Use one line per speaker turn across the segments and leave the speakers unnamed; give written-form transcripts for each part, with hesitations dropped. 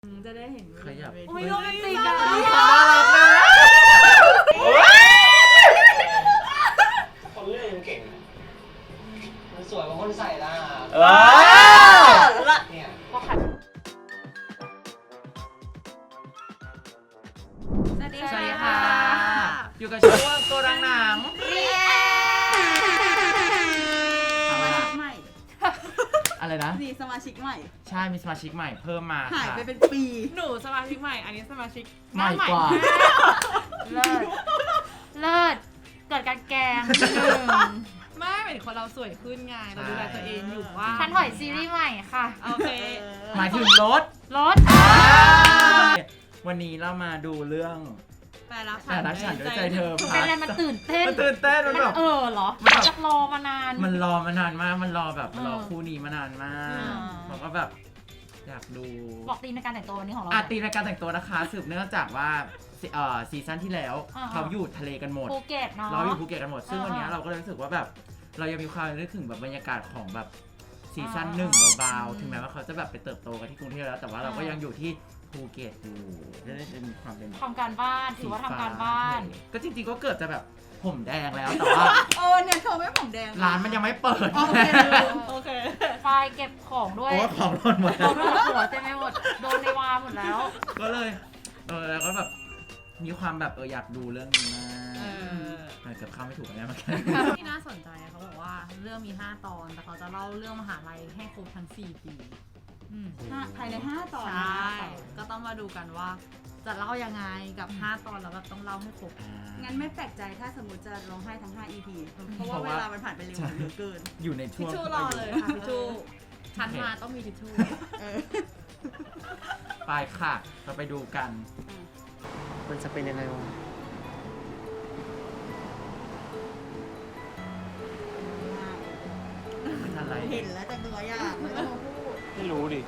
จะได้เห็น
ขยับ
อุ้ยโรแมนติกอะ
น่ารักนะ
คนเลือกยังเก่งมันสวยกว่าคนใส่ละเนี่ย
สวัสดี
สวัสดี
ค่ะ
ค่ะ อยู่กับช่วงโกดังหนัง
สมาชิกใหม่
อะไรนะ
นี่สมาชิกใหม่
ใช่ มีสมาชิกใหม่เพิ่มมา
หาย
ค่ะ
ไปเป็นปี
หนูสมาชิกใหม่ อันนี้สมาชิก
ใหม่กว่า
เลิศ เลิศ เกิดการแกล้ง
ไม่เหมือนคนเราสวยขึ้นไง เราดูแลตัวเองอยู่ว่า
ฉันถอยซีรีส์ใหม่ค่ะ
โอเค
หมายถึงรถ
รถ
วันนี้เรามาดูเรื่อง
แต่รัก
แต่รักฉันด้วยใจเธอ
เป็นอะไรมันตื่นเต้น
มันตื่นเต้นมันแบบ
เหรอ
มันแบบ
จะรอมานาน
มันรอมานานมาก มันรอแบบ
เออ
รอคู่นี้มานานมากผมก็แบบอยากดู
บอกตีมในการแต่งตัววันนี้ของเรา
ตีในการแต่งตัวนะคะ สืบเนื่องจากว่าซีซั่นที่แล้ว
อ่า
เขาอยู่ทะเลกันหมด
ภูเก็ตเนาะ
เราอยู่ภูเก็ตกันหมด ซึ่ง
อ่า
วันนี้เราก็เลยรู้สึกว่าแบบเรายังมีความนึกถึงแบบบรรยากาศของแบบซีซั่น
อ่า
หนึ่งเบาๆถึงแม้ว่าเขาจะแบบไปเติบโตกันที่กรุงเทพแล้ว แต่ว่าเราก็ยังอยู่ที่ภูเก็ตอยู่ได้มีความเป็น
ทำการบ้านถือว่าทำการบ้าน
ก็จริงๆก็เกือบจะแบบผมแดงแล้วแต่ว่า
โอ้เนี่ยเธอไม่ผมแดง
ร้านมันยังไม่เปิด
โอเค
โอเค
ไฟล์เก็บของด้วย
โอ้ของหล่นหมด
โดนหัวเต็มไปหมด โดนในวาหมดแล้ว
ก็เลยแล้วก็แบบมีความแบบอยากดูเรื่องนี้มากเกือบเข้าไม่ถูกแล้วเมื่อกี้
ที่น่าสนใจเขาบอกว่าเรื่องมี 5 ตอน แต่เขาจะเล่าเรื่องมหาลัยให้ครบทั้ง 4 ปี
ภายใน5 ตอน
ใช่ ก็ต้องมาดูกันว่า จะเล่ายังไงกับ 5 ตอนแล้วแบบต้องเล่าให้ครบ
งั้นไม่แปลกใจถ้าสมมติจะร้องไห้ทั้ง5 EP เพราะว่าเวลามันผ่านไปเร็วเหลือเกิน
อยู่ในช่
ทิช
วง
ชู่รอเลยค่ะทิชชู่ชั้นมาต้องมีทิชชู่
ไปค่ะ เราไปดูกัน
มันจะเป็นยังไงวะ
เป็นอะไร
เห็นแล้วแต่ตัวอยากไม่ต้องมาพูด
ไม่รู้ดิ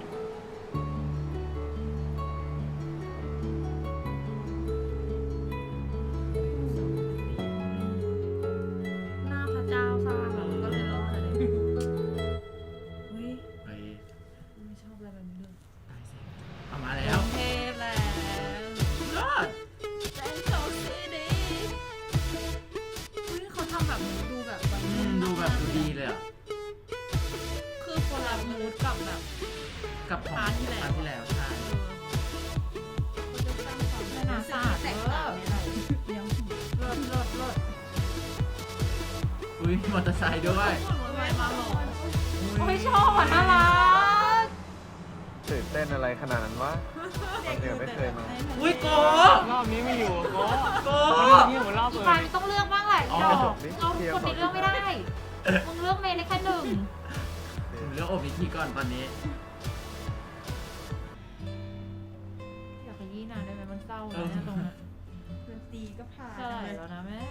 หน้าพระเจ้าสร้างแล้วมันก็เลยรอดเลยเฮ้ย
ไป
ไม่ชอบอะไรแบบนี้เลย
เอามาแล้ว
เทพแล้ว
ยอด
แซนโซซีดีเฮ้ยเขาทำแบบนี้ดูแบบวัยรุ่น
ดูแบบดูดีเลยอ่ะ
คือคนละมูดกับแบบ
กับของ
พาร์ทที่แล้ว
พาร์ทที่แล้วใช่
เขาจะสร้างความ
ไม่น่าสาด
แตกต่างในเรา
รถ
อุ้ยมอเตอร์ไซค์ด้วย
ไม่มาหรอก
โอ้ยชอบอ่ะน่ารัก
ตื่นเต้นอะไรขนาดนั้นวะตอนเด็กไม่เคยมา
อุ้ยโก
รอบนี้ไม่อยู่โก้
โก
นี่เหมือนรอบเลย
ไฟล์มันต้องเลือกบ้างแหละ
อ๋อ
ดอกเราคนนี้เลือกไม่ได้ มึงเลือกเมย์ได้แค่หนึ่ง
ผมเลือกอบอีกทีก่อนตอนนี้
อยากขยี้นานได้ไหมมันเศร้าเลยนะตรงนั้น
ดนตรีก็ผ่าน
เท่าไหร่แล้วนะแม่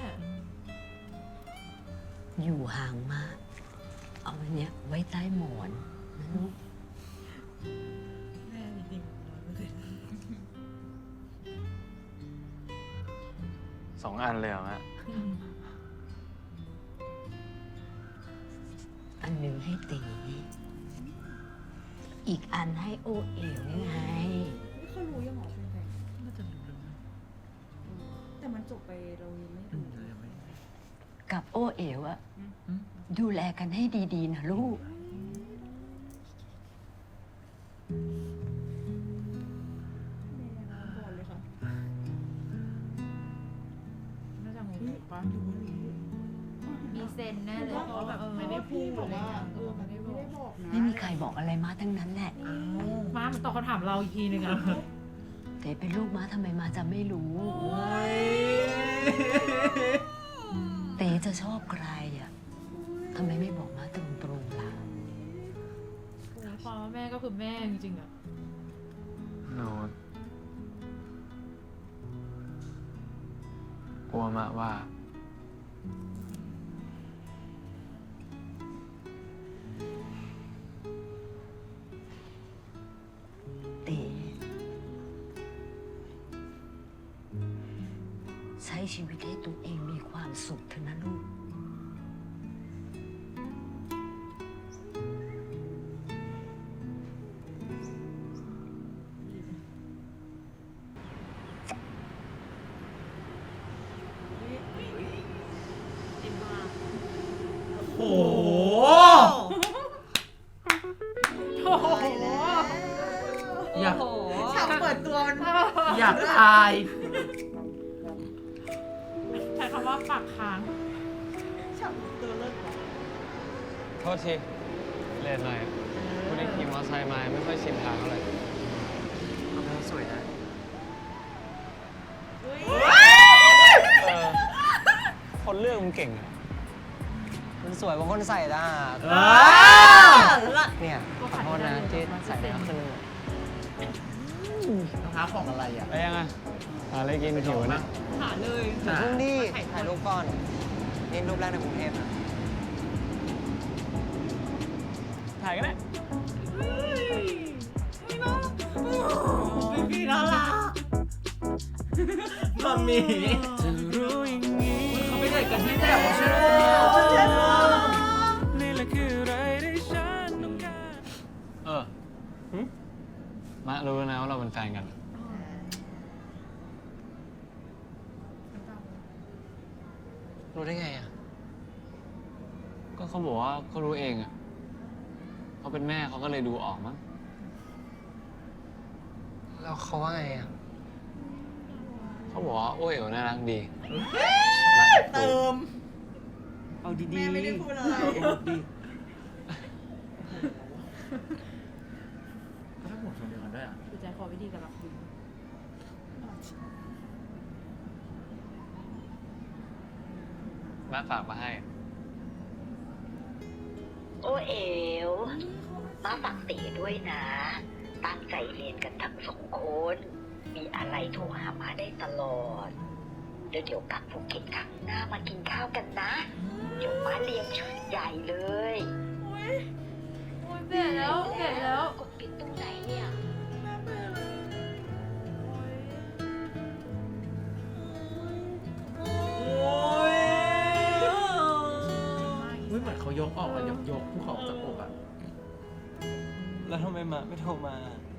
อยู่ห่างมาก เอาอันเนี้ยไว้ใต้หมอนนะลูก
แม่จริงๆ100%
2 อันเลยเหรอแม่
อันหนึ่งให้ตี อีกอันให้โอเอ๋วไง
เขารู้ยังหรอเป็นไง
น่าจะรู้แล้วนะ
แต่มันจบไปเรายังไม่รู้
กับโอเอ๋วอะดูแลกันให้ดีๆนะลูก
ก่อนเลยค่ะ
น่าจะงงปะมีเซนแน่เลย
เพราะแบบไม่ได้พูด
บอกว่า
ไม่ได้บอก
บอกนะ
ไม่มีใครบอกอะไรมาทั้งนั้นแหละ
มามันตอบคำถามเราอีกทีนึงอ่ะ
แต่เป็นลูกม้าทำไมมาจะไม่รู้ เต๋จะชอบใครอะทำไมไม่บอกมาตรงๆล่ะ
ความว่าแม่ก็คือแม่จริงๆอ่ะ
โน้ตกลัวมากว่า
เต๋ใช้ชีวิตให้ตัวเองมีความสุขเถอะนะลูก
อยาก
โอ้โห
ฉากเปิดตัวมัน
อยากตาย
ใช้คำว่าปากค้าง
ฉากเปิดตัวเลิศว่ะ
โทษทีเลนหน่อยคุณได้ขี่มอเตอร์ไซค์มาไม่ค่อยชินทางเท่าไหร่สวยนะ
อุ้ย
คนเลือกมันเก่งอะมันสวยบางคนใส่ได้ เนี่ยขอโทษนะที่ใส่แล้วขึ้น
รองเท้าของอะไรอ่ะ
ไปยังไงหาอะไรกินหิวนะ
หาเลย
อย่าเพิ่งดิถ่ายรูปก่อนนี่รูปแรกในกรุงเทพนะถ่ายกันได้
พี่น่ารักมัมมี่เขาไม่ได้กันที่แต่ว่าใช่ไหม
มารู้แล้วนะว่าเราเป็นแฟนกัน รู้ได้ไงอ่ะ ก็เขาบอกว่าเขารู้เองอ่ะเขาเป็นแม่เขาก็เลยดูออกมั้ง แล้วเขาว่าไงอ่ะ เขาบอกว่าโอ้ยเอ๋วน่ารักดี
เติม
เอาดีๆ
แม่ไม่ได้พูดอะไร
ดีก็ถ้าหมดชมเดียวกันด้วยอ่ะ
คือใจคอวิธีการรับคุณ
แม่ฝากมาให้
โอเอ๋วมาฝากเต๋ด้วยนะ ตั้งใจเรียนกันทั้งสองคน มีอะไรโทรหามาได้ตลอด เดี๋ยวกลับภูเก็ตครั้งหน้ามากินข้าวกันนะ เดี๋ยวมาเลี้ยงชุดใหญ่เลย
โอ้ยเปลี่ยนแล้วเปลี่ยนแล้ว
กดปิดตรงไหนเนี่ย
อุ้ยเหมือนเขายกออกอะยกภูเขาออกจากอกอ่ะ
แล้วทำไมมาไม่โทรมา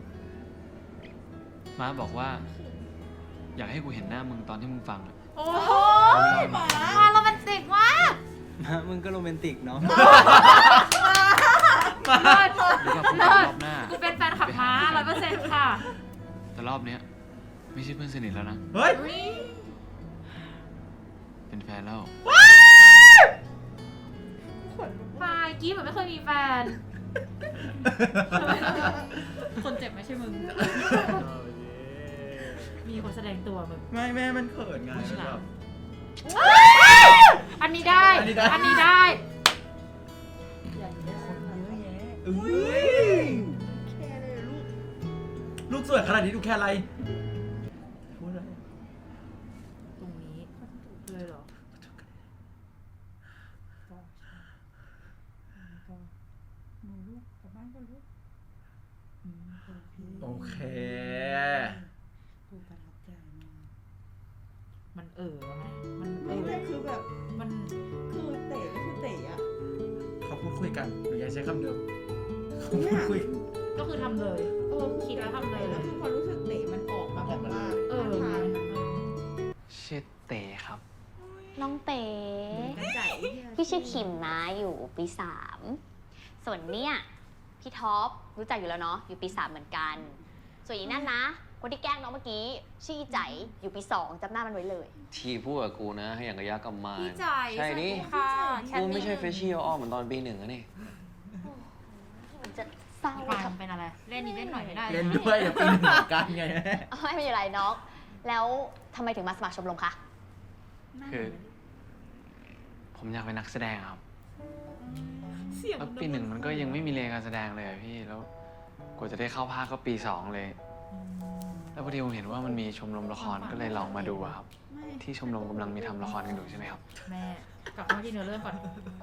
ม้าบอกว่า อยากให้กูเห็นหน้ามึงตอนที่มึงฟังอะ
โอ้โหมาโรแมนติกมาก
ม้ามึงก็โรแมนติกเนาะ
เลิศ
หรือว่าพูดถึงรอบหน้า
กูเป็นแฟนขับม้า100%ค่ะ
แต่รอบเนี้ยไม่ใช่เพื่อนสนิทแล้วนะ
เฮ้ย
อุ๊ย
เป็นแฟนแล้ว
ปายกี้เหมือนไม่เคยมีแฟน คนเจ็บไม่ใช่มึง มีคนแสดงตัวมึง
ไม่แม่มันเขินไง
ผู้ชาย
แบบ
อันนี้ได้
อันนี้ได้
อันนี้ได้
อุ้ยลูกสวยขนาดนี้ดูแค่อะไรพูดอะไร
ตรงนี้เลยเหรอ
โอเค
กูประทับใจมาก
มันไงมัน
ไม่คือแบบ
มัน
คือเต๋ก็คือเต๋อะ
เขาพูดคุยกันหนูอยากใช้คำเดิมเขาพูดคุย
ก็คือทำเลยคิดแล้วทำเลย
แล้วคือความรู้สึกเต๋มันออกมาแบบว่า
เออ
ท่าทาง
ชื่อเต๋ครับ
น้องเต๋
กระใจ
พี่ชื่อคิมนะอยู่ปี3ส่วนเนี่ยพี่ท็อปรู้จักอยู่แล้วเนาะอยู่ปี3เหมือนกัน ส่วนอีนั่นนะ คนที่แกล้งน้องเมื่อกี้ชื่ออีใจอยู่ปี2จำหน้ามันไว้เลย
ทีพูดกับกูนะ ให้อย่างกับยักษ์กับมาร
พี่จ่าย
ใช่ดิ
ค่ะ
กูไม่ใช่เฟชชี่อ้อมเหมือนตอนปี 1อะนี่
มันจะเศร้า
พี่ปายมันเป็นอะไร เล่นนี้เล่นหน่อยไม่ได้
เล่นด้วยเดี๋ยวปีหนึ่งเหมือนกันไงแม่
ไม่เป็นไรน้อง แล้วทำไมถึงมาสมัครชมรมคะ
คือ ผมอยากเป็นนักแสดงครับ
เสียง
แล้วปี 1มันก็ยังไม่มีเรียนการแสดงเลยอะพี่ แล้วกว่าจะได้เข้าภาคก็ปี 2 เลย แล้วพอดีผมเห็นว่ามันมีชมรมละครก็เลยลองมาดูอะครับ ที่ชมรมกำลังมีทำละครกันอยู่ใช่ไหมครับ
แม่กลับมาที่เนื้อเรื่องก่อน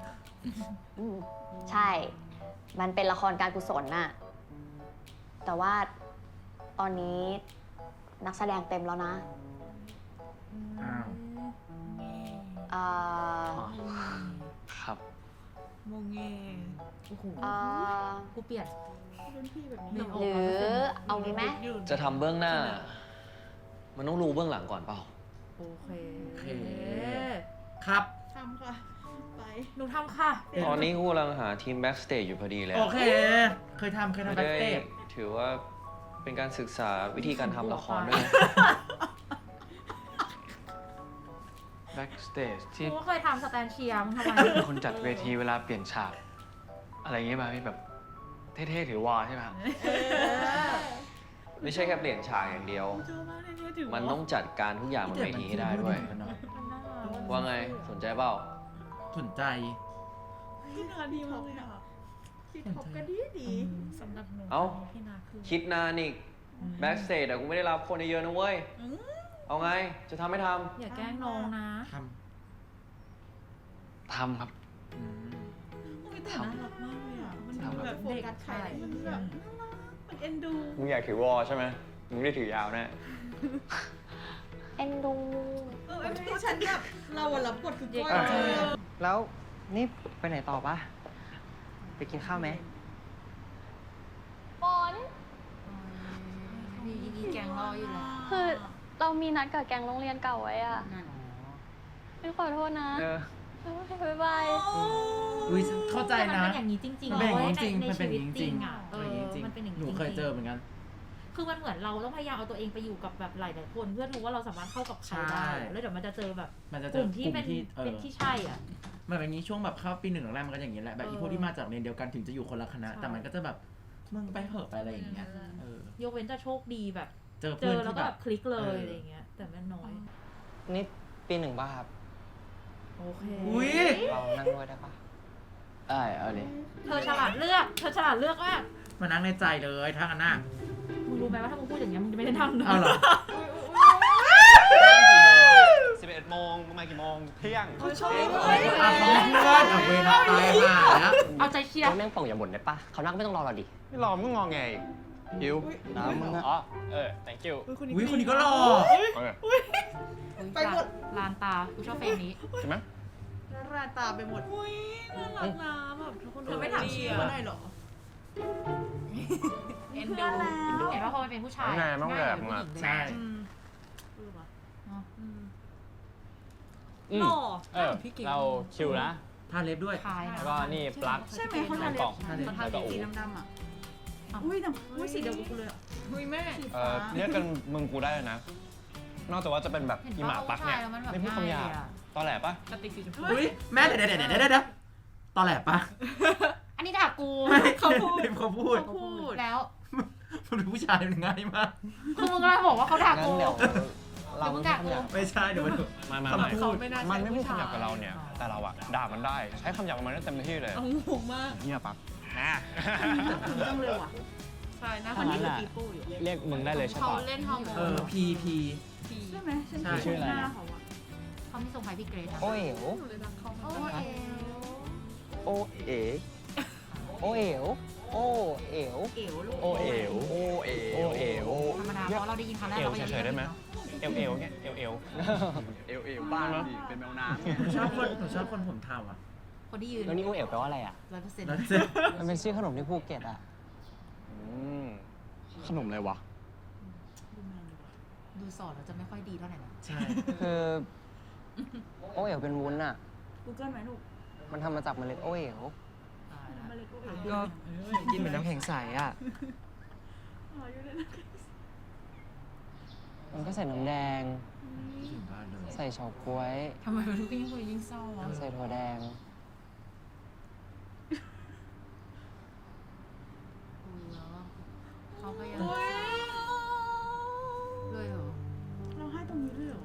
ใช่ มันเป็นละครการกุศลน่ะ แต่ว่าตอนนี้นักแสดงเต็มแล้วนะ
อ้าว
เอ่อ
ครับ
โมงเงโอ้โห
เอ่อ
กูเปลี่ยน
รุ่นพี่แบบ
ห
นี้
หรือเอางี้ไหม
จะทำเบื้องหน้า มันต้องรู้เบื้องหลังก่อนเปล่า
โอเค
โอเค ครับ
ทำค่ะ ไป
หนูทำค่ะ
ตอนนี้กูกำลังหาทีมแบ็กสเตจอยู่พอดีเลย
โอเค เคยทำ
ไม่
แบ็ค
ได้
สเตจ
ถือว่าเป็นการศึกษาวิธีการทำละครด้วยนะ
backstage ที่
กูก็เคยทำสแตนเชียร์มึงทำไม
คนจัดเวทีเวลาเปลี่ยนฉาก อะไรอย่างเงี้ยป่ะพี่แบบเท่ๆถือวอใช่ไหมครับ
ไม่ใช่แค่เปลี่ยนฉากอย่างเดียว มันต้องจัดการทุกอย่างบนเวทีให้ได้ด้วย ว่าไงสนใจเปล่า
สนใจ
พี่นาดีมากเลยอ่ะพี่ท็อปก็ดีดี
สำหรับหนู
เอ้า
พี่นาคือ
คิดนานอีก backstage อะกูไม่ได้รับคนเยอะๆนะเว้ย เอาไง จะทำไม่ท
อย่าแกล้งน้องนะ
ท
ทำครับ
ำอืม
อุ้ยแต่น่ารักมากเลยอ่ะมัน
ทำครับ
แบบโฟกัสใครมันแบบน่ารักมันเอ็นดู
ำมึงอยากถือวอใช่ไหมมึงไม่ได้ถือยาวแน่
เอ็นดู
ไอ้ที่ฉันแบบเราอะรับบทคือก้อย
อ่า
เลยอะ
แล้วนี่ไปไหนต่อปะไปกินข้าวไหม
ฝน
ดีแกงรออยู่แล้ว
คือเรามีนัดกับแก๊งโรงเรียนเก่าไว้อะไม่ขอโทษนะ
เออ
บ๊ายบาย
อุ้ยเข้าใจ
แต่มัน
นะ
เป็นอย่างนี้จริงๆ
มันเป็นอย่างนี้จริง
ใน
มันเป็น
ชี
อ
วิ
ย่า
ต
งนี้จ
จ
ริ
ริ
ง
งอ่ะ
เป็นอย่างนี้จริง
มันเป็นอย่าง
หนู
นี้
เคยเจอเหมือนกัน
คือมันเหมือนเราต้องพยายามเอาตัวเองไปอยู่กับแบบหลายๆคน เพื่อรู้ว่าเราสามารถเข้ากับใครได้
ใช่
แล้วเดี๋ยวมันจะเจอแบบ
มันจะ
ก
เจอ
ลุ่มที่เป็น
เป็น
ที่ใช่อ่ะ
มันเป็นอย่างนี้ช่วงแบบเข้าปี 1แรกๆมันก็อย่างนี้แหละแบบอีพวกที่มาจากเรียนเดียวกันถึงจะอยู่คนละคณะ
ใช่
แต่มันก็จะแบบมึงไปเหอะไปอะไรอย่างเงี้ยเออย
กเว้นจะโชคดีแบบ
เจอ
เจ
เพื่อน
อแล้ว
ที่
ก็
แบ
แบบ บคลิกเลย
เอออ
อะไรเงี้ย แต่มันน้อย
นี่ปีหนึ่งป่ะครับ
โอเค
อุ้ย
เรานั่งด้วยได้ปะ
ได้เอาดิ
เธอฉลาดเลือกมาก
มานั่งในใจเลยถ้างั้นน่ะ
มึงรู้ไหมว่าถ้ามึงพูดอย่างเงี้ยมึงจะไม่ได้ทำนะ
เอาเหรอ
11 โมงมึงมากี่โมง เที่ยง
เขาชอบ
อ่ะเขาเป็นเพื่อนเอาเวรตายห่าแล้ว
เอาใจเชียร์
แม่งป่องอย่าบ่นได้ปะเขานั่งไม่ต้องรอเราดิ
ไม่รอมึงงอไงหิว
น้ำมึงอะ
อ๋อ thank you
อุ้ยคนนี้ก็หล่อ
ไปหมด
ลานตากูชอบเฟรมนี้
ใช่ไหม
ราตาไปหมดอุ้ยน่ารักนะแบบทุกคนเธอไม่ถามชื่อมาหน่อยเหรอ
เอ็นดูเห็นว่าพอมันเป็นผู้ชาย
ไงมั่งแบบ
ผู้
มึง
ห
อะ
ญิง
ใช่
หล่อ
เราคิวนะ
ทาเล็บด้วย
ชายนะ
แล้วก็นี่ปลั๊ก
ใช่ไหมเขาทาเล็บ
ทาเล็บ
เขาทาเล็บสีดำๆอ่ะอุ้ยแต่อุ้ยสีเดียวกับกูเลยอ่ะอุ้ยแม่สีฟ้า
เรียกกันมึงกูได้เลยนะ นอกจากว่าจะเป็นแบบ
เห็น
อี
ปะ
หมาปักเนี่ย
ผู้ชายแล้วมันแบบ
ไม่พูดคำหยาบ
ง่ายเลยอะ
ตอแหลปะ
กระติกสีชมพู
อุ้ยแม่เดี๋ยวตอนแหลปะ
อันนี้ด่ากู
เขาพูดเขาพูด
เขาพูดแล้ว
มันเป็นผู้ชายมันง่ายมาก
คือมึงกำลังบอกว่าเขาด่า
งั้
กู
นเดี๋ยวเรา
เดี๋ยวมึง
ไม่
ด่า
ทำ
กู
อย่าง
ไม่ใช่เดี๋ยวมัน
ไม่
คำพูด
มันไม่พูดคำหยาบกับเราเนี่ย แต่เราอะด่ามันได้ ใช้คำหยาบกับมันได้เต็มที่เลย
เอางงมาก
เฮียปัก
คุณต้องเร็วอ่ะใช่นะคนนี้คือปีโป้อยู่
เรียกมึงได้เลยใช่
เขา
ปะ
เล่นห้อง
เออพี
ใช่ไหมฉัน
ใช่
ชื่ออะไรนะเขาอ่ะ
เขาไม่ส่งใครพี่เกรซอะ
โอเอ๋ว
โอ้ย
โอเอ๋โอเอ๋วโอเอ๋ว
เก๋วลูก
โอเอ๋ว
โอเอ๋
โอเอ๋ว
ธรรมดาเพราะเราได้ยินครั้งแรกเราก็ยัง
เฉยๆได้ไหม เอวเงี้ยเอว
เอ๋วบ้านดิเป็นแมวน้ำ
หนูชอบคนผมเทาอ่ะ
คนที่ยืน
แล้วนี่โอเอ๋วแปลว่าอะไรอ่ะ
100%
แล้วเสร็จ
มันเป็นชื่อขนมที่ภูเก็ตอ่ะ
ขนมอะไรวะ
ดูสอนเราจะไม่ค่อยดีเท่าไหร่นะ
ใช่
คือโอเอ๋วเป็นวุ้นอ่ะ
กูเกิลไหมลูก
มันทำมาจากเมล็ดโอเอ๋ว
มาเลยกูเอ๋
ก็กินเหมือนน้ำแข็งใสอ่ะ
อยู่เลยนะ
มันก็ใส่น้ำแดง
บ้านเลย
ใส่เฉาก๊วย
ทำไมมันยิ่งคุยยิ่งเศร้าวะ
ใส่ถั่วแดง
เขาพยายามเลยเหรอ
เราให้ตรงนี้ด้วยเหรอ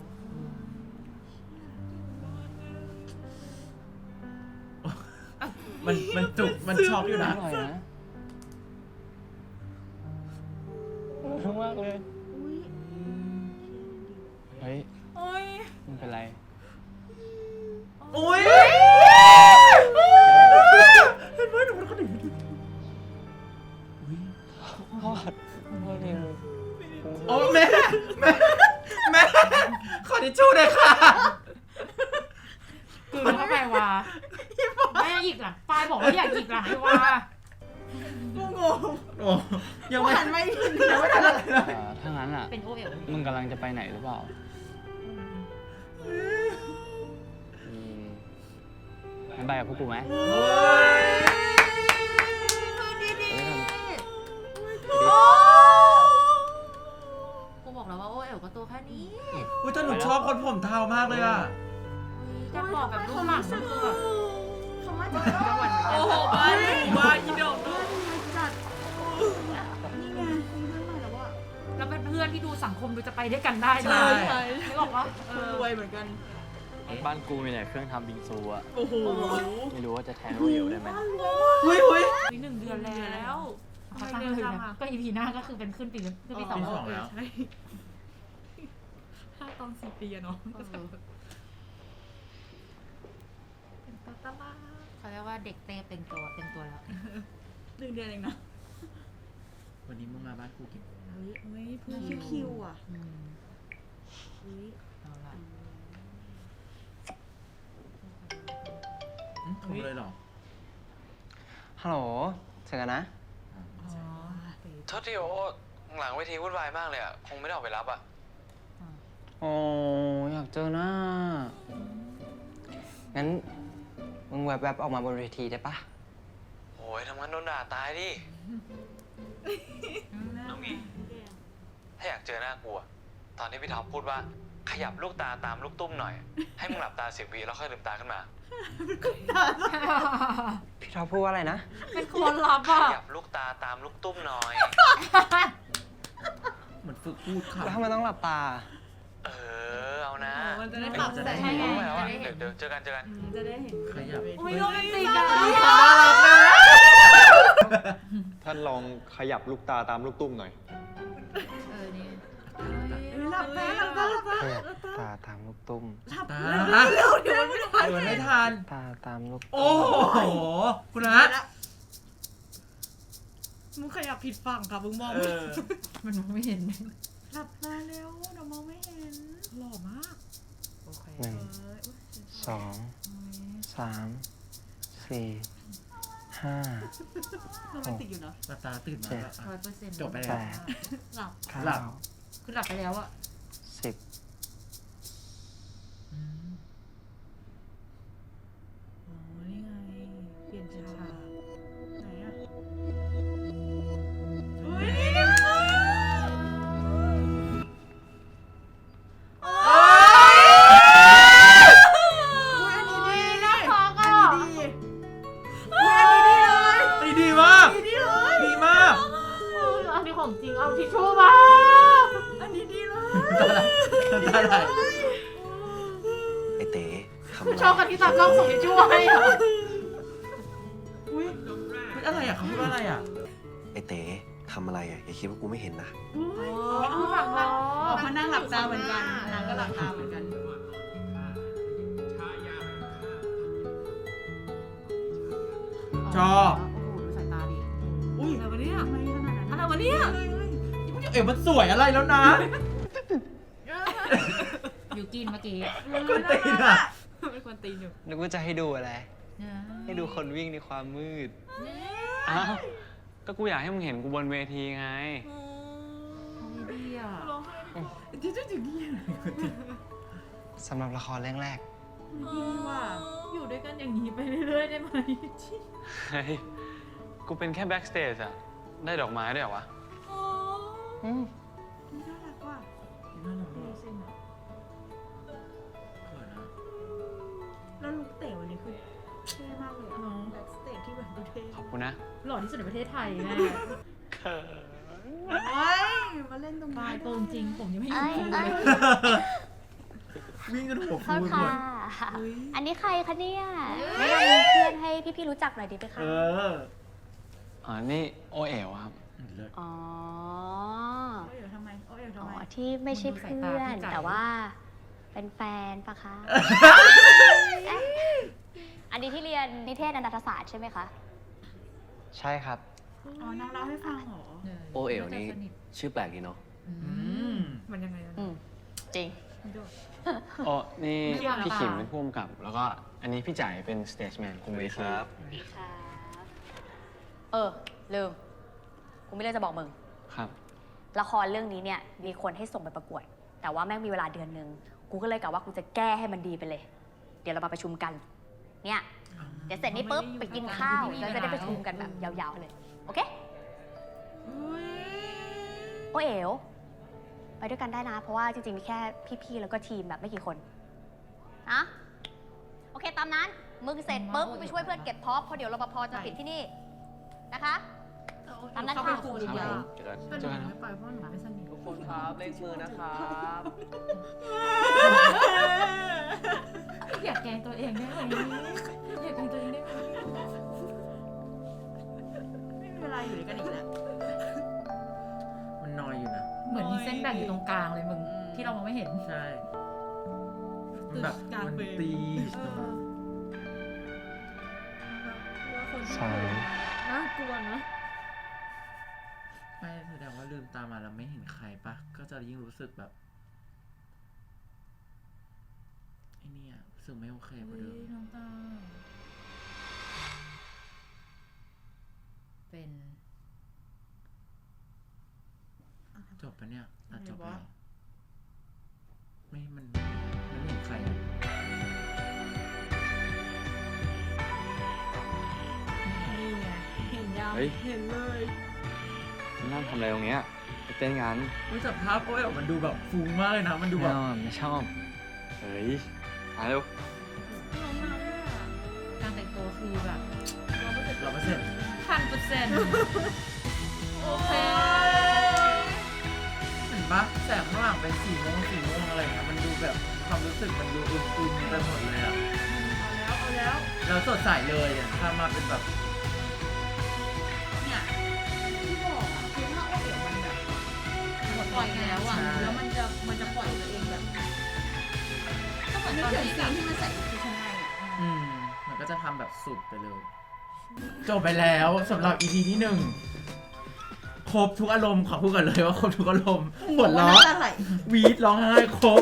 มันจุกมันช็อกอยู่นะ
อร่อยนะรู้มากเลย
อุ้ย
เฮ้ย
โอ้ย
มันเป็นไร
อุ้ยเห็นไหมหนูเป็นคนอย่างนี้อุ้ย
ทอดทอดเอง
โอ้แม่ขอทิชชู่หน่อยค่ะ
คือเข้าไปว่าไม่อยากหยิกหลังปายบอกว่าอยากหยิกหลังไอ้ว่า
กูงง
โอ้ยังไม่
หันไม่ถึง
ยังไม่ทันอะไรเลย
ถ้างั้นอ่ะ
เป็นโอเอ๋ว
มึงกำลังจะไปไหนหรือเปล่างั้นไปกับพวกกูไหม
โอ้ย
ดีดี
โอ้คนผมเทามากเลยอ่ะ
จะบอกแบบลูกหลังก็คือแบบ
คำว่าจังหวัดเหมือนกัน
โอ้โหบ้านบ้านอีดอก
จัดนี่ไงมีเรื่องใหม่แล้วว่า
แล้วเป็นเพื่อนที่ดูสังคมดูจะไปด้วยกันได้
ใช่
นึกออกปะ
รวยเหมือนกัน
บ้านกูมีแต่เครื่องทำบิงซูอะ
โอ้โห
ไม่รู้ว่าจะแทนโอเอลได้ไหม
เฮ้ย
นี่1 เดือนแล้ว
ทำไม
เขาสร้าง
เร็ว
คืน
จัง
นะ
อะ
ก็ EP หน้าก็คือเป็นขึ้นปี2
ปีสองแล้ว
ถ้าตอน4 ปีอะเนาะ
เขาเรียกว่าเด็กเต้เต็มตัวแล้ว
1 เดือนเองนะ
วันนี้มึงมาบ้านกูกี่โมงนะ
เฮ้ยเพื่อนชื่อคิวอ่ะ
เอาละ
โทรเลยเหรอ
ฮัลโหลเจอกันนะ
อ๋อ
โทษทีโอหลังเวทีวุ่นวายมากเลยอ่ะ คงไม่ได้ออกไปรับอ่ะ
โอ้อยากเจอหน้า งั้น มึงแวบๆออกมาบนเวทีได้ปะ
โอ้ยทำงั้นโดนด่าตายดิเอางี้ ถ้าอยากเจอหน้ากูอะตอนที่พี่ท็อปพูดว่า ขยับลูกตาตามลูกตุ้มหน่อย ให้มึงหลับตา10 วิแล้วค่อยลืมตาขึ้นมา
พี่ท็อปพูดว่าอะไรนะ
เป็นคนรับ
ข
อ่ะ
ยับลูกตาตามลูกตุ้มหน่อย
เหมือนฝึกพูดค่ะ
แล้วทำไมต้องหลับตา
เอานะ
มันจะได้
ไม่
ปรับ
จะ
แส
ได้
ง
เห็น
รู้แล้วอะเดี๋ยวเจอกัน
จะได้เห็น
ขยับ
อุ้ยโรแมนติกอะ
ท่านลองขยับลูกตาตามลูกตุ้มหน่อย
นี่
หลับตาหลับตาหลับตา
ขยับตาตามลูกตุ้ม
หลับ
ตา
เร็วเดี๋ยวไม่ทัน
เดี๋ยวไม่ทัน
ตาตามลูก
โอ้โห คุณนัท
มึงขยับผิดฝั่งค่ะมึงมอง
เออ
มันมองไม่เห็น
หลับตาเร็วเดี๋ยวมองไม่เห็น
หล่อมาก
โอเค
หนึ่ง 2 3 4 5
โรแมนติกอยู่เนาะ
หลับตาตื่นมาแล้วอ่ะ
100%
จบไปแล้ว
หลับ
หลับ
9
คือหลับไปแล้วอะ
10
อืม
อ๋อนี่ไงเปลี่ยนฉากไหนอ่ะอุ้ยนี่ไงอุ้ยอันนี้ดีนะอันนี้ดีอุ้ยอันนี้ดีเลย
ดีมาก
ดีเลย
ดีมาก
อันนี้ของจริง เอาทิชชู่มา
อันนี้ดีเลย
ตาไหล
ไอเต๋ทำอะไร
ชอบกันที่ตากล้องส่งทิชชู่ให้เหรอ
อุ้ยอะไรอ่ะเขาพูดว่าอะไรอ่ะ
ไอเต๋ทำอะไรอ่ะอย่าคิดว่ากูไม่เห็นนะ
เอาฝั่งเรา
อ๋อเขานั่งหลับตาเหมือนกันนางก็หลับตาเหมือนกัน
ชอบ
โอ้โหดูสายตาดิ
อุ้ย
อะไรวะเนี่ย
ทำไมขนาดนั้น
อะไรวะเนี่ย
เอ๋มันสวยอะไรแล้วนะ
ยูกินเมื่อกี้
คุณตีนอ่ะ
เป็นคนตีนอยู่
นึกว่าจะให้ดูอะไร ให้ดูคนวิ่งในความมืด
อ้าว ก็กูอยากให้มึงเห็นกูบนเวทีไง
ดีอ่ะ
ร้องไห้
ที่จะถึงนี่
สำหรับละครเรื่องแรก
ดีว่ะ
อยู่ด้วยกันอย่างนี้ไปเรื่อยๆได้ไหม
เฮ้ย กูเป็นแค่แบ็กสเตจอะได้ดอกไม้ด้วยเหรอวะ
อืม
นี่น่ารักว่ะ
น่ารัก
ดี
มาก
สินะ
เขินนะ
แล้วลุกเต๋วันนี้คือเท่มากเลยอะแบ็กสเตจที่แบบดูเท่
ขอบคุณนะ
หล่อที่สุดในประเทศไทยแน่
โอ้ยมาเล่นตรง
ตา
นี้
ยตัวจริง ผมยังไม่
เอ้
เห็
ย
น
เอ้ย
วิ่งกันหัว
โท
ฟู
ษ
หม
ค่ะ
ด
อันนี้ใครคะเนี่ยแนะนำเพื่อนให้พี่ๆรู้จักหน่อยดีไหมคะ
เออ
อ๋อ นี่โอเอ๋วครับ
เลิศ
อ๋อ
โอ้ยเดี๋ยวทำไมโอ้ยเดี๋ยว
อ๋
ทำ
อ
ไม
ที่ไม่ใช่เพื่อน แต่ว่าเป็นแฟนปะคะ เอ๊ะอันนี้ที่เรียนนิเทศอนันตศาสตร์ใช่ไหมคะ
ใช่ครับ
อ๋อนางเล่าให้ฟังเหรอ
โอเอ๋วนี่ชื่อแปลกดีเนาะ
อืม
มันยังไงอะ
อืม จริง
โอ้นี่
ไม่อยาก
พี่ขิมเป็นผู้กำกับ แล้วก็อันนี้พี่จ่ายเป็นสเตจแมนคุมเวที
ครับ ลืม กูไม่เลือกจะบอกมึง
ครับ
ละครเรื่องนี้เนี่ยมีคนให้ส่งไปประกวด แต่ว่าแม่งมีเวลาเดือนนึง กูก็เลยกะว่ากูจะแก้ให้มันดีไปเลย เดี๋ยวเรามาประชุมกัน เนี่ย เดี๋ยวเสร็จนี้ปุ๊บไปกินข้าวแล้วจะได้ประชุมกันแบบยาวๆเลย โอเค โอเอ๋วไปด้วยกันได้นะ เพราะว่าจริงๆมีแค่พี่ๆแล้วก็ทีมแบบไม่กี่คนนะโอเคตามนั้นมึงเสร็จปุ๊บมึงไปช่วยเพื่อนเก็บท็อปเพราะเดี๋ยวรปภจะปิดที่นี่นะคะ ตามนั้น
เข้าไป
ค่ะ
คุยดีกว่า
เจอกัน
แต่หนูไม่ไปเพราะหนูไม่สนิท
ทุกคนครับเลขมือนะครับ
อยากแกล้งตัวเองได้ไหมอยากแกล้งตัวเองได้ไหม
ไม่มีเวลาอยู่ด้วยกันอีกแล้ว
มันนอยอยู่นะ
เหมือนมีเส้นแบ่งอยู่ตรงกลางเลยมึงที่เรามองไม่เห็น
ใช่มันแบบมันตีตรงนั้น
ใช่
น่ากลัวนะ
ไม่แสดงว่าลืมตามาแล้วไม่เห็นใครปะก็จะยิ่งรู้สึกแบบไอ้เนี่ยรู้สึกไม่โอเคกว่าเดิม
น้องตาเป็น
จบปะเนี่ยตัดจบแล้วไม่มันไม่เห็นใครอะ
นี่ไงเห็นยัง
เฮ้ย
เห็นเลย
นั่งทำอะไรตรงเนี้ยไปเต้นกัน
รู้จักภาพโอ้ยมันดูแบบฟุ้งมากเลยนะ มันดู
ไม่
แบบ
ชอบไม่ชอบเฮ้ยมาเร็ว
น้องมาด้วยอะ
การแต่งตัวคือแบบ
100%
1,000%โอเค
เห็นปะแสงข้างหลังเป็นสีม่วงอะไรเงี้ยมันดูแบบความรู้สึกมันดูอึมๆไปหมดเลยอะ
เอาแล้ว
แล้วสดใสเลยอะถ้ามาเป็นแบบ
เนี่ยที่บอกอะคือถ้าโอเอ๋วมันแบบปล่อยแล้วอะแล้วมันจะปล่อยตัวเองแบบ
ก็เหมือน
นึ
ต
ก
อน
ถึง
นี้
ซีนที่มันใส่ชุดชั้นในอะ
มันก็จะทำแบบสุดไปเลย จบไปแล้วสำหรับ EP ที่ 1 ครบทุกอารมณ์ขอพูดกันเลยว่าครบทุกอารมณ์หัวเราะ
น้ำตาไหล
วีดร้องไห้ครบ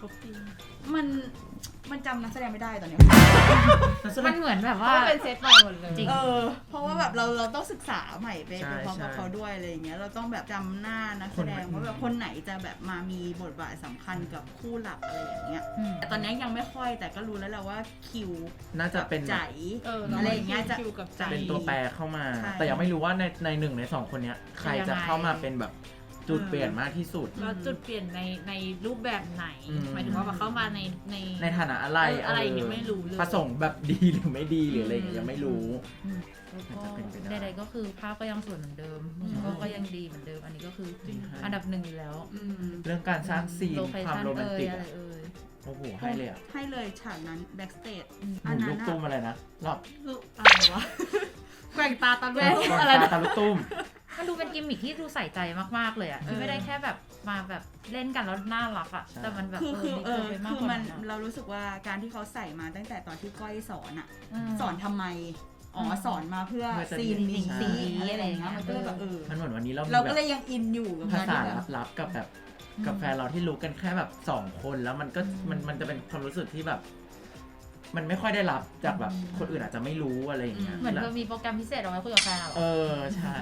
มันจำนักแสดงไม่ได้ตอนเนี้ย
มันเหมือนแบบว่า
เป็นเซตใหม่หมดเลย
จริง
เพราะว่าแบบเราต้องศึกษาใหม่ไป
ใช่
พร้อมกับ
ใช่
เขาด้วยอะไรอย่างเงี้ยเราต้องแบบจำหน้านักแสดง
คน
ว่าแบบคนไหนจะแบบมามีบทบาทสำคัญกับคู่หลักอะไรอย่างเงี้ย
อืม
แต่ตอนนี้ยังไม่ค่อยแต่ก็รู้แล้วแหละว่าคิว
น่าจะเป็น
ใจอะไรอย่างเงี้ยจะใจ
เป็นตัวแปรเข้ามา
ใช่
แต่ยังไม่รู้ว่าในหนึ่งในสองคนเนี้ยใครจะเข้ามาเป็นแบบจุดเปลี่ยนมากที่สุด
แล้วจุดเปลี่ยนในรูปแบบไหน
อืม
หมายถึงว่าแบบเข้ามาใน
ในฐานะอะไร
อะไรอย่างเงี้ยไม่รู้เลย
ประสงค์แบบดีหรือไม่ดีหรืออะไรอย่างเงี้ยยังไม่รู้
แล้วก็
อาจจะเป็นไปได้
ใดๆก็คือภาพก็ยังสวยเหมือนเดิมก็ยังดีเหมือนเดิม อันนี้ก็คือ
จริงค่ะ
อันดับ1อยู่แล้ว
เรื่องการสร้างซีน
โลเค
ความ
ชั่น
โรแมนติก
อะไร
อะ
เอ่ย
โอ้โหให้เลยอะ
ให้เลยฉากนั้นแบ็กสเตจ
หมุนลูกตุ้มอะไรนะรอบ
อะไรวะแกว่งตาตาแว่นอะไร
ตา
นะ
ตาลูกตุ้ม
มันดูเป็นกิมมิคที่ดูใส่ใจมากๆเลยอ่ะคือไม่ได้แค่แบบมาแบบเล่นกันแล้วน่ารักอ่ะ
ใช่
แต่มันแบบ
คือ
ดีเกินไปมาก
คื
ก
อ
ว่า
มัน
นั้นอะ
เรารู้สึกว่าการที่เขาใส่มาตั้งแต่ตอนที่ก้อยสอนอะ
ม
สอนทำไมสอนมาเพื่อ
เพื่อจะ
ซีนนี้
ใช่
อะไรอย่างเงี้ยมันก็เลยแบบ
มันเหมือนวันนี้เรา
เรา
มี
ก็
แบ
เล
บ
ยยังอินอยู่กับ
ภาษา
แบบ
ลับๆกับแบบกับแฟนเราที่รู้กันแค่แบบ2 คนแล้วมันก็มันจะเป็นความรู้สึกที่แบบ มันไม่ค่อยได้รับจากแบบคนอื่นอาจจะไม่รู้อะไรอย่างเงี้ย
เหมือนเธอมีโปรแกรมพิเศษเอาไว้คุยกับแฟนเรา
เออใช่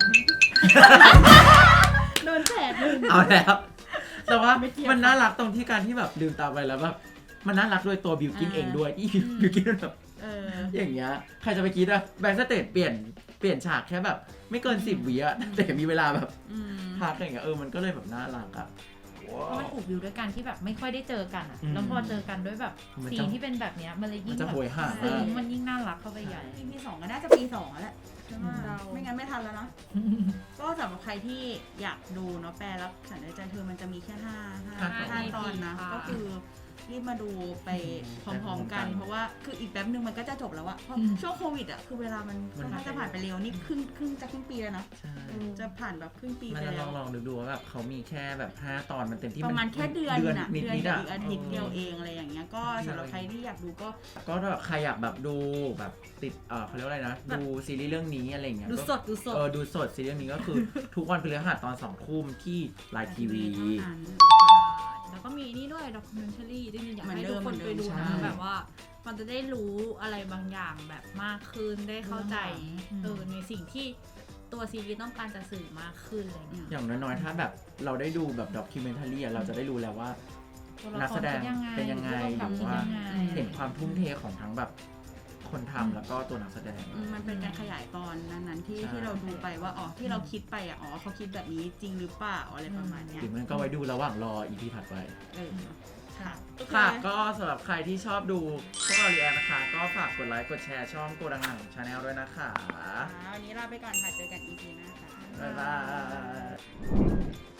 โดนแฉดหนึ่ง
เอาแล้วแต่ว่า
ไม่เทียบ
มันน่ารักตรงที่การที่แบบลืมตาไปแล้วแบบมันน่ารักด้วยตัวบิวกินเองด้วยที่บิวกินมันแบบ อย่างเงี้ยใครจะไปคิดอะแบ็กสเตจเปลี่ยนฉากแค่แบบ ไม่เกิน10 วิอะแต่มีเวลาแบบพักอย่างเงี้ยมันก็เลยแบบน่ารักอะ
เพราะมันถูกวิวด้วยกันที่แบบไม่ค่อยได้เจอกันอ่ะ
อืม
แล้วพอเจอกันด้วยแบบ
มันจะ
ซีนที่เป็นแบบเนี้ยมันเลยยิ่ง
มันจะ
แบบ
โหยหา
ซึ้
มาก
งมันยิ่งน่ารักเข้าไปใหญ่
ปีสองก็น่าจะปี2แล้วแหละใช่ไหมไม่งั้นไม่ทันแล้วนะก็สำหรับใครที่อยากดูเนาะแปลรักฉันในใจเธอมันจะมีแค่5 ตอนนะก็คือรีบมาดูไปพร้อมๆกัน เพราะว่าคืออีกแป๊บนึงมันก็จะจบแล้วอะเพราะช่วงโควิดอะคือเวลามันค่อนข้างจะผ่านไปเร็วนี่ครึ่งปีแล้วนะ
ใช่
จะผ่านแบบครึ่งปี
มัน
ไป
จะ
แล้ว
ลองดูว่าแบบเขามีแค่แบบ5 ตอนมันเต็มที่
ประมาณแค่เดือน
นิด
กับ
อะ
อีกอาทิตย์เดียวเองอะไรอย่างเงี้ยก็สำหรับใครที่อยากดูก็
ก็แบบใครอยากแบบดูแบบติดเขาเรียกว่าอะไรนะดูซีรีส์เรื่องนี้อะไรเงี้ย
ดูสด
ดูสดซีรีส์เรื่องนี้ก็คือ ทุกวันพฤหัสตอน2 ทุ่มที่ไลน์ทีวี
แล้วก็มีนี่ด้วยด็อกิเมนทารีจริงๆอยาก
เหมือน
ให้
เดิ
ทุก
ม
คนไปดู
ใช่
นะแบบว่ามันจะได้รู้อะไรบางอย่างแบบมากขึ้นได้เข้าใจในสิ่งที่ตัวซีรีส์ต้องการจะสื่อมากขึ้นอะไรเงี้ย
อย่างน้อยๆถ้าแบบเราได้ดูแบบด็อกิเมนทารีเราจะได้รู้แล้วว่า นักแสดงเป็นยังไงหรือว่าเห็นความทุ่มเทของทั้งแบบคนทำแล้วก็ตัวนักแสดง
มันเป็นการขยายตอนนั้นๆที่
ใช่
ที่เราดูไปว่าอ๋อที่เราคิดไปอ่ะอ๋อเขาคิดแบบนี้จริงหรือเปล่าอะไรประมาณเนี้ย
หรือมันก็ไว้ดูระหว่างรอ EP ถัดไป
ค่ะ
ค่ะ ก็สำหรับใครที่ชอบดูพวกเรารีแอคนะคะ ก็ฝากกดไลค์กดแชร์ช่องโกดังหนังชาแนลด้วยนะคะ
วันนี้ลาไปก่อนค่ะ เจอกัน EP หน้าค่ะ
บ๊ายบาย